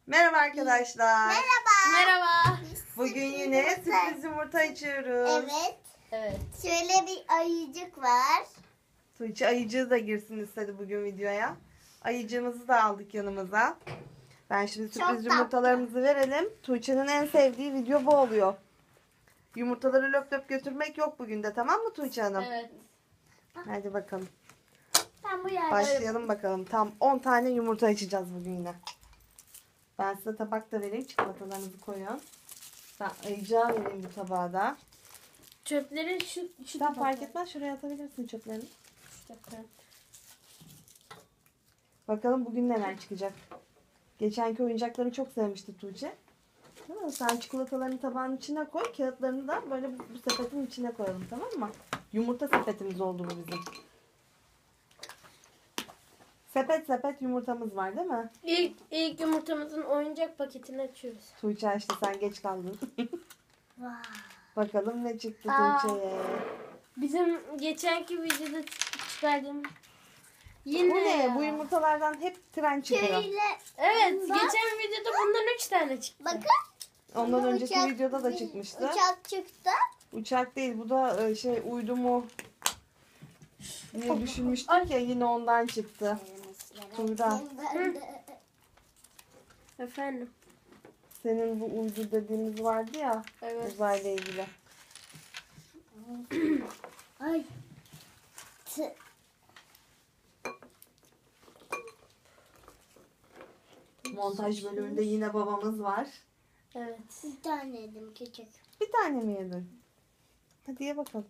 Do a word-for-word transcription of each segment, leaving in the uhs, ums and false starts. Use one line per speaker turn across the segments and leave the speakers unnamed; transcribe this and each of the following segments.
Merhaba arkadaşlar.
Merhaba.
Merhaba.
Bugün yine sürpriz yumurta içiyoruz.
Evet.
Evet.
Şöyle bir ayıcık var.
Tuğçe ayıcığı da girsin istedi bugün videoya. Ayıcığımızı da aldık yanımıza. Ben şimdi
Çok
sürpriz
tatlı.
yumurtalarımızı verelim. Tuğçe'nin en sevdiği video bu oluyor. Yumurtaları löp löp götürmek yok bugün de, tamam mı Tuğçe Hanım?
Evet.
Hadi bakalım.
Ben bu yerde.
Başlayalım bakalım. Tam on tane yumurta açacağız bugün yine. Ben size tabak da vereyim. Çikolatalarınızı koyun. Ben ayıcığa vereyim bu tabağa da.
Çöpleri şu şu
Sen
tabakta.
fark etmez. Şuraya atabilirsin çöplerini.
Şu tabakta.
Bakalım bugün neler çıkacak. Geçenki oyuncakları çok sevmişti Tuğçe. Değil mi? Sen çikolatalarını tabağın içine koy. Kağıtlarını da böyle bu, bu sepetin içine koyalım, tamam mı? Yumurta sepetimiz oldu bu bizim. Sepet sepet yumurtamız var değil mi?
İlk, ilk yumurtamızın oyuncak paketini açıyoruz.
Tuğçe işte sen geç kaldın.
Vay.
Bakalım ne çıktı
Aa.
Tuğçe'ye.
Bizim geçenki videoda çıkardığım
Bu
yine
ne?
ya.
Bu yumurtalardan hep tren çıkıyor.
Şöyle.
Evet,
Bak.
geçen videoda bundan üç tane çıktı.
Bakın.
Ondan
Bu
önceki
uçak-
videoda da çıkmıştı.
Uçak çıktı.
Uçak değil, bu da e, şey uydu mu diye düşünmüştük ya, yine ondan çıktı. Tuğra.
Efendim.
Senin bu uydu dediğimiz vardı ya,
Evet.
uzayla ilgili.
Ay. Tı.
Montaj bölümünde yine babamız var.
Evet.
Bir tane yedim küçük.
Bir tane mi yedin? Hadi ye bakalım.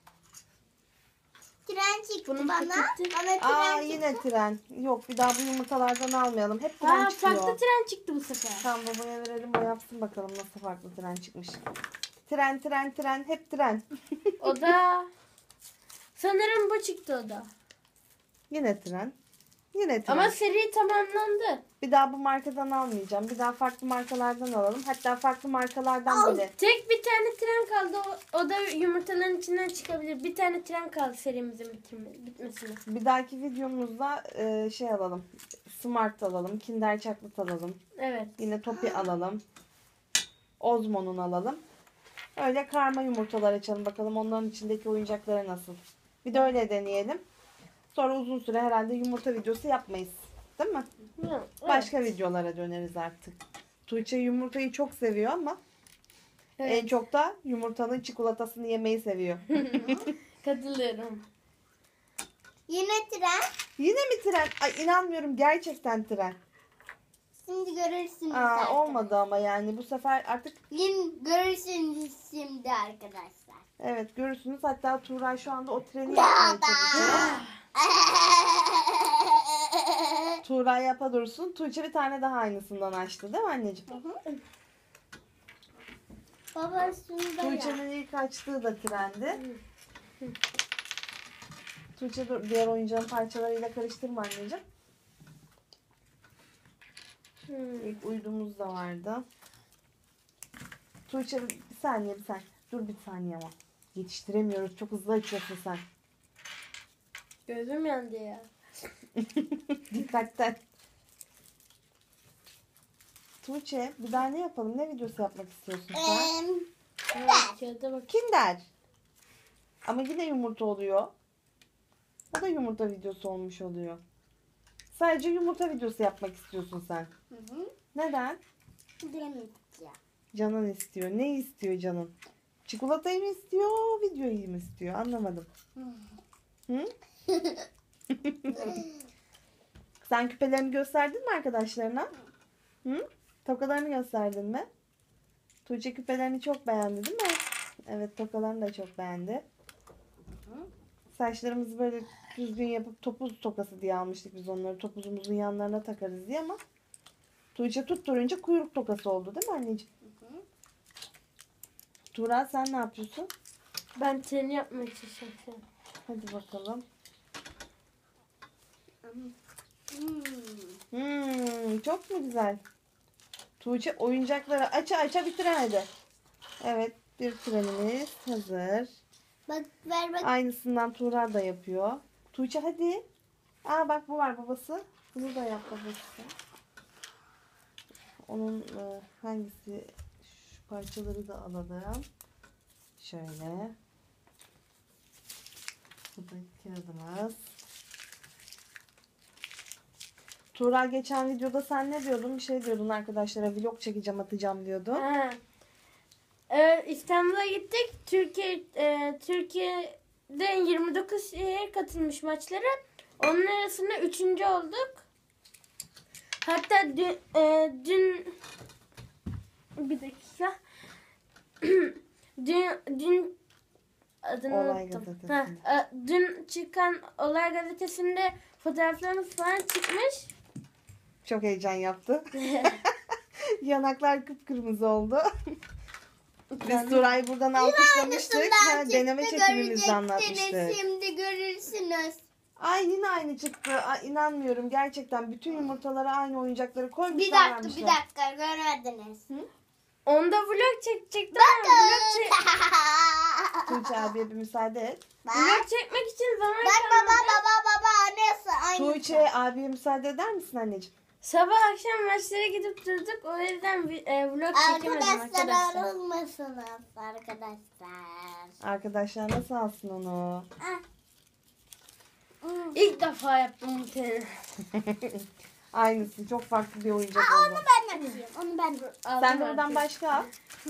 Tren çıktı
Bunun
bana.
paketi-
Bana tren
Aa
çıktı.
yine tren. Yok, bir daha bu yumurtalardan almayalım. Hep tren
Aa,
çıkıyor.
farklı tren çıktı bu sefer.
Tamam, babaya verelim, o yapsın bakalım nasıl farklı tren çıkmış. Tren tren tren hep tren.
O da sanırım bu çıktı o da.
Yine tren. Yine tren.
Ama seri tamamlandı.
Bir daha bu markadan almayacağım. Bir daha farklı markalardan alalım. Hatta farklı markalardan
Al.
böyle.
Tek bir tane tren kaldı. O, o da yumurtaların içinden çıkabilir. Bir tane tren kaldı serimizin bitirme, bitmesine.
Bir dahaki videomuzda e, şey alalım. Smart alalım. Kinder Chocolate alalım.
Evet.
Yine Topi alalım. Ozmo'nun alalım. Öyle karma yumurtalar açalım. Bakalım onların içindeki oyuncakları nasıl. Bir de öyle deneyelim. Sonra uzun süre herhalde yumurta videosu yapmayız. Değil mi?
Evet.
Başka videolara döneriz artık. Tuğçe yumurtayı çok seviyor ama
Evet.
en çok da yumurtanın çikolatasını yemeyi seviyor.
Katılıyorum.
Yine tren.
Yine mi tren? Ay inanmıyorum, gerçekten tren.
Şimdi görürsünüz.
Aa,
arkadaşlar.
olmadı ama yani bu sefer artık
Yine görürsünüz şimdi arkadaşlar.
evet görürsünüz. Hatta Tuğray şu anda o treni yapmaya çalışıyor. Tuğray yapa dursun. Tuğçe bir tane daha aynısından açtı değil mi anneciğim?
Baba şunu da yap.
Tuğçe'nin ilk açtığı da trendi. Tuğçe dur, diğer oyuncağın parçalarıyla karıştırma anneciğim.
Hmm.
İlk uydumuz da vardı. Tuğçe bir saniye bir saniye. Dur bir saniye ama. Yetiştiremiyoruz. Çok hızlı açıyorsun sen.
Gözüm yandı ya.
Dikkatten. Tuğçe bir daha ne yapalım? Ne videosu yapmak istiyorsun sen?
Em,
Evet, kağıda bak.
Kinder. Ama yine yumurta oluyor. O da yumurta videosu olmuş oluyor. Sadece yumurta videosu yapmak istiyorsun sen.
Hı hı.
Neden?
Bilemeyeceğim.
Canın istiyor. Ne istiyor canın? Çikolatayı mı istiyor, videoyu mu istiyor? Anlamadım. Hı? Sen küpelerini gösterdin mi arkadaşlarına? Hı? Tokalarını gösterdin mi? Tuğçe küpelerini çok beğendi değil mi? Evet, tokalarını da çok beğendi. Saçlarımızı böyle düzgün yapıp topuz tokası diye almıştık biz onları. Topuzumuzun yanlarına takarız diye ama Tuğçe tutturunca kuyruk tokası oldu değil mi anneciğim? Tuğra sen ne yapıyorsun?
Ben treni yapmaya çalışıyorum şu an.
Hadi bakalım.
Hmm.
Hmm, çok mu güzel? Tuğçe oyuncakları aça aça bitiremedi. Evet, bir trenimiz hazır.
Bak ver bak.
Aynısından Tuğra da yapıyor. Tuğçe hadi. Aa bak bu var babası. Bunu da yap babası. onun e, hangisi, şu parçaları da alalım. Şöyle. Bu da kağıdımız. Tuğra geçen videoda sen ne diyordun? Bir şey diyordun arkadaşlara. Vlog çekeceğim, atacağım diyordun.
Ha. Ee, İstanbul'a gittik. Türkiye e, Türkiye'den yirmi dokuz şehir katılmış maçlara. Onun arasında üçüncü olduk. Hatta dün, e, dün bir dakika. dün dün adını
Olay
unuttum.
gazetesi.
Ha, e, dün çıkan Olay gazetesinde fotoğraflarımız falan çıkmış.
Çok heyecan yaptı. Yanaklar kıpkırmızı oldu. Biz Tuğra'yı buradan alkışlamıştık. Ha, deneme çekimimizde anlatmıştık.
Şimdi görürsünüz.
Ay yine aynı çıktı. Ay, inanmıyorum. Gerçekten bütün yumurtalara aynı oyuncakları koymuşlar.
Bir dakika
vermişler.
bir dakika görmediniz.
Onda vlog çekecektim ama vlog, çek
Tuğçe abiye bir müsaade et.
Bak.
vlog çekmek için zaman
Bak baba
kalmadı.
baba baba annesi aynı.
Tuğçe abiye müsaade eder misin anneciğim?
Sabah akşam maçlara gidip durduk. O yüzden vi- e, vlog çekemedim
Arkadaşlar
arkadaşlar.
ayrılmasınız arkadaşlar.
Arkadaşlar nasıl alsın onu?
Ah. Hmm.
İlk defa yaptım bu tane.
Aynısı. Çok farklı bir oyuncak
Aa,
oldu.
onu ben açayım. Onu ben
Sen de oradan başka al.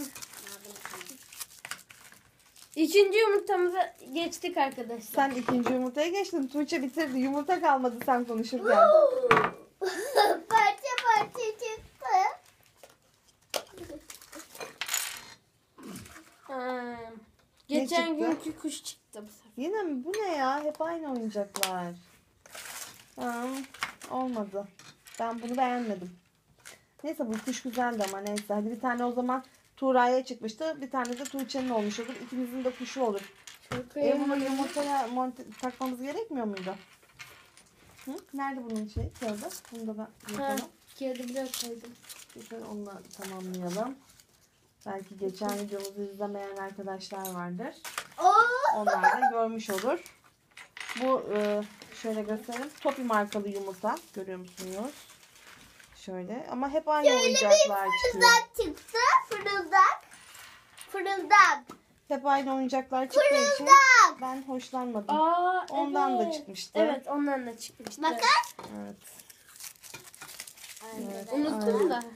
İkinci yumurtamıza geçtik arkadaşlar.
Sen ikinci yumurtaya geçtin. Tuğçe bitirdi. Yumurta kalmadı sen konuşurken.
parça parça çıktı.
Ha, geçen
çıktı?
günkü kuş çıktı bu sefer.
Yine mi? Bu ne ya? Hep aynı oyuncaklar. Ha, olmadı. Ben bunu beğenmedim. Neyse bu kuş güzeldi ama neyse. Hadi bir tane o zaman Tuğra'ya çıkmıştı. Bir tane de Tuğçe'nin olmuş olur. İkimizin de kuşu olur. E bunu yumurtaya monte takmamız gerekmiyor muydu? Hı? Nerede bunun şey? Kağıdı. Bunu da ben
Ha,
yapalım.
kağıdı biraz koydum.
Güzel, onunla tamamlayalım. Belki geçen videomuzu izlemeyen arkadaşlar vardır.
Oo.
Onlar da görmüş olur. Bu e, şöyle göstereyim. Topi markalı yumurta. Görüyor musunuz? Şöyle. Ama hep aynı oyuncaklar çıkıyor.
Fırıldak çıktı. Fırıldak. Fırıldak.
Hep aynı oyuncaklar çıktığı için
Fırıldak.
ben hoşlanmadım.
Aa,
Ondan da
evet.
çıkmıştı.
Evet, ondan da çıkmıştı.
Bakın.
Evet. Evet.
Unuttum da.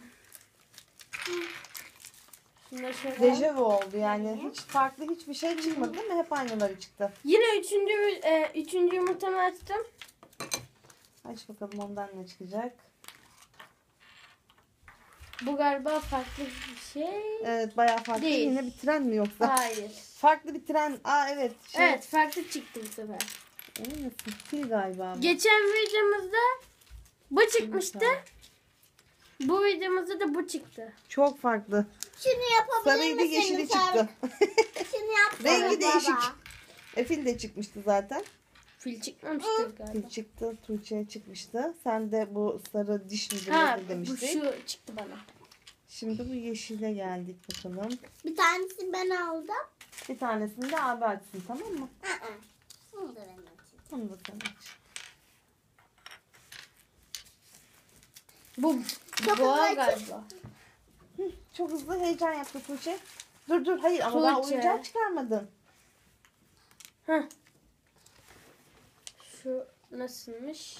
Şunları şöyle.
Dejavu oldu yani. Hiç farklı hiçbir şey çıkmadı değil mi? Hep aynıları çıktı.
Yine üçüncü, e, üçüncü yumurtamı açtım.
Aç bakalım ondan ne çıkacak.
Bu galiba farklı bir şey.
Evet bayağı farklı.
Değil.
Yine bir tren mi yoksa?
Hayır.
Farklı bir tren. Aa evet. Şey,
Evet, farklı çıktı bu sefer.
Emin misin? Fil galiba. bu.
Geçen videomuzda bu çıkmıştı. Bu videomuzda da bu çıktı.
Çok farklı.
Şunu yapabilir
Sarıydı
misiniz?
yeşili çıktı.
Şunu yapsana
Rengi
baba.
değişik. E fil de çıkmıştı zaten.
Fil çıkmamıştı galiba.
Fil çıktı. Tuğçe'ye çıkmıştı. Sen de bu sarı diş midir
Ha,
nedir
bu
demiştin.
şu çıktı bana.
Şimdi bu yeşile geldik bakalım.
Bir tanesini ben aldım.
Bir tanesini de abi açsın tamam mı?
Aa. Bunu da ben açayım.
Onu da sen aç.
Bu
Çok
boğa
hızlı
galiba.
Hı, çok hızlı heyecan yaptı Tuğçe. Dur dur hayır ama daha
Tuğçe.
oyuncağı çıkarmadın.
Heh. Şu nasılmış?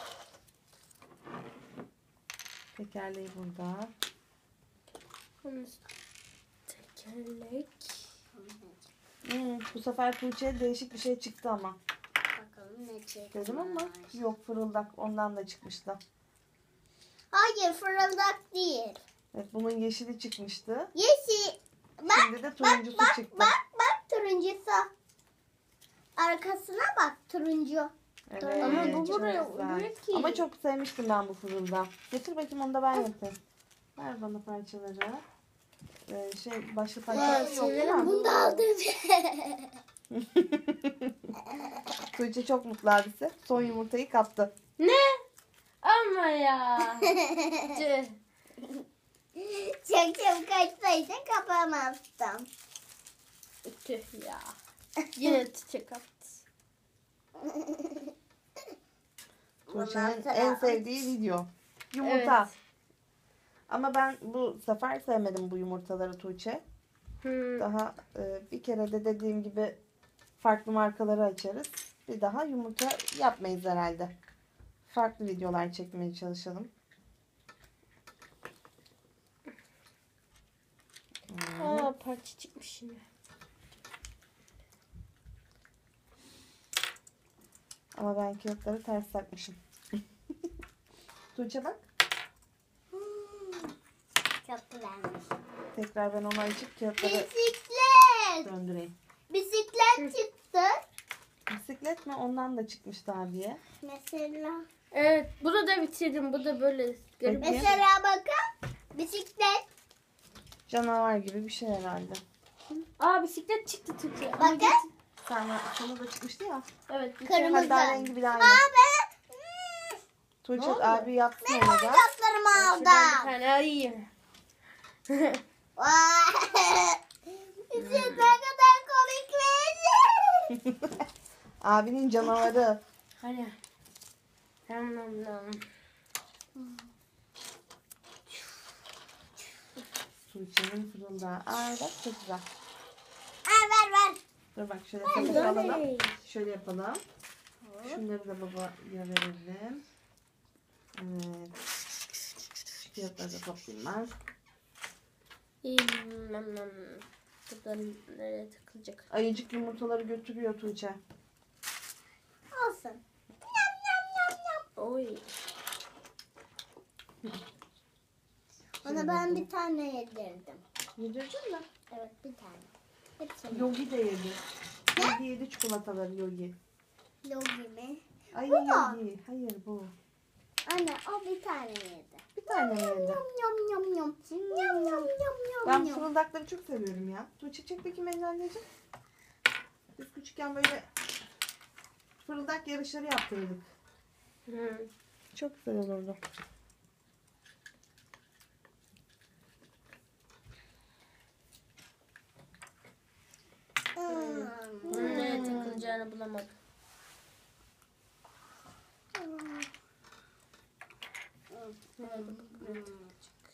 Tekerleği burada.
Bunun tekerlek.
Hmm, bu sefer Tuğçe'ye değişik bir şey çıktı ama.
Bakalım ne çıkmış.
Dedim ama yok fırıldak ondan da çıkmıştı.
Hayır fırıldak değil.
Evet bunun yeşili çıkmıştı.
Yeşil. Bak
Şimdi de turuncusu
bak
çıktı.
bak bak turuncusu. Arkasına bak turuncu.
Evet,
Ama bu
çok
buraya
güzel.
uyuyor ki.
Ama çok sevmiştim ben bu fırıldağı. Getir bakayım onu da ben yapayım. Ver bana parçaları. Ee, şey başka parçaları yok değil
severim
mi?
Bunu da aldım.
Tuğçe çok mutlu abisi. Son yumurtayı kaptı.
Ne? Ama ya. Tüh.
Çok çabuk açsaydın kapamazdım.
Tüh ya. Yine çiçek attı.
Tuğçe'nin
Bundan sonra
en
aç.
sevdiği video. Yumurta.
Evet.
Ama ben bu sefer sevmedim bu yumurtaları Tuğçe.
Hmm.
Daha e, bir kere de dediğim gibi farklı markaları açarız. Bir daha yumurta yapmayız herhalde. Farklı videolar çekmeye çalışalım.
Aa, parça çıkmış şimdi.
Ama ben kağıtları ters takmışım. Tuğçe bak.
Çok güzelmiş.
Tekrar ben onu açıp kağıtları
Bisiklet.
döndüreyim.
Bisiklet çıktı.
Bisiklet mi? Ondan da çıkmıştı abiye.
Mesela.
Evet, bunu da bitirdim. Bu da böyle garip.
Peki.
Mesela bakın. Bisiklet.
Canavar gibi bir şey herhalde.
Aa, bisiklet çıktı Türkiye.
Bakın.
Sana, sana da çıkmıştı ya.
Evet. bir
Kırmızı.
Hadi daha rengi bile aynı.
Abi.
Tuğçe
Ne oldu?
abi yapsın
Ben
onu da.
oyuncaklarımı
tane- Şuradan bir
aldım.
tane alayım.
Vay. Siz ne kadar komik.
Abinin canavarı.
Hadi. Nam nam nam.
Tuğçe'nin fırında. Aa bak çok güzel.
Aa, ver ver.
Dur bak şöyle sepete alalım.
Böyle.
Şöyle yapalım. Şunları da babaya verelim. Evet. Şu kağıtları da toplayayım ben.
İyi, nam nam. Buradan nereye takılacak?
Ayıcık yumurtaları götürüyor Tuğçe.
Olsun. Yam yam yam yam.
Oy.
Ona ben bir tane yedirdim.
Yedirdin mi?
Evet bir tane. Hepsini.
Yogi de yedi. Yogi yedi çikolataları Yogi.
Logi mi?
Ay
Bu mu?
Yogi. Hayır bu.
Anne o bir tane yedi.
Bir tane mi yedi?
Yam yam yam yam. Yam yam yam yam
Ben
yam.
fırıldakları çok seviyorum ya. Tuğçe çek bakayım elini anneciğim. Biz küçükken böyle fırıldak yarışları yaptırdık.
Hı.
Çok güzel olurdu.
Hmm.
Bunun nereye takılacağını bulamadım. Nerede bu? Buraya takılacak.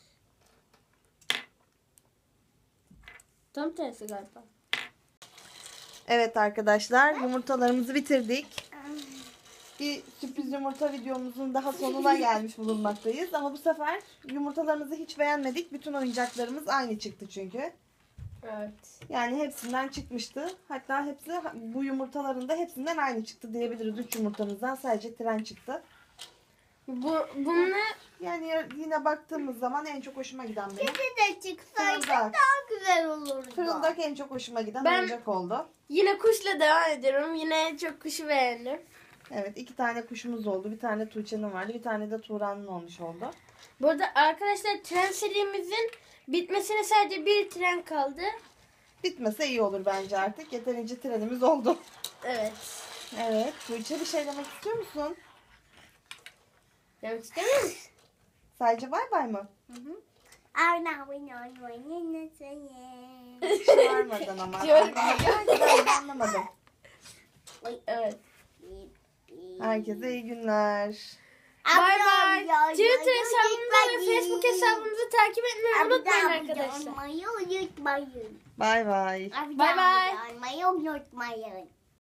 Tam tersi galiba.
Evet arkadaşlar yumurtalarımızı bitirdik. Bir sürpriz yumurta videomuzun daha sonuna gelmiş bulunmaktayız. Ama bu sefer yumurtalarımızı hiç beğenmedik. Bütün oyuncaklarımız aynı çıktı çünkü.
Evet.
Yani hepsinden çıkmıştı. Hatta hepsi bu yumurtaların da hepsinden aynı çıktı diyebiliriz. Üç yumurtamızdan sadece tren çıktı.
Bu bunlar
Yani yine baktığımız zaman en çok hoşuma giden benim.
Kedi de çıksaydı
Fırıldak.
daha güzel olurdu.
Fırıldak en çok hoşuma giden
Ben-
oyuncak oldu.
yine kuşla devam ediyorum. Yine çok kuşu beğendim.
Evet iki tane kuşumuz oldu. Bir tane Tuğçe'nin vardı. Bir tane de Tuğra'nın olmuş oldu.
Bu arada arkadaşlar tren serimizin bitmesine sadece bir tren kaldı.
Bitmese iyi olur bence artık. Yeterince trenimiz oldu.
Evet.
Evet. Tuğçe bir şey demek istiyor musun?
Demek istemiyor musun?
Sadece bay bay mı?
Arna oynuyor oynuyor sayın.
Hiç varmadan ama.
Şöyle-
Ben de anlamadım.
Evet.
Herkese iyi günler.
Bay bay. Twitter hesabımızı ve Facebook hesabımızı takip etmeyi unutmayın arkadaşlar.
Unutmayın.
Bay bay.
Bay bay.
Unutmayın.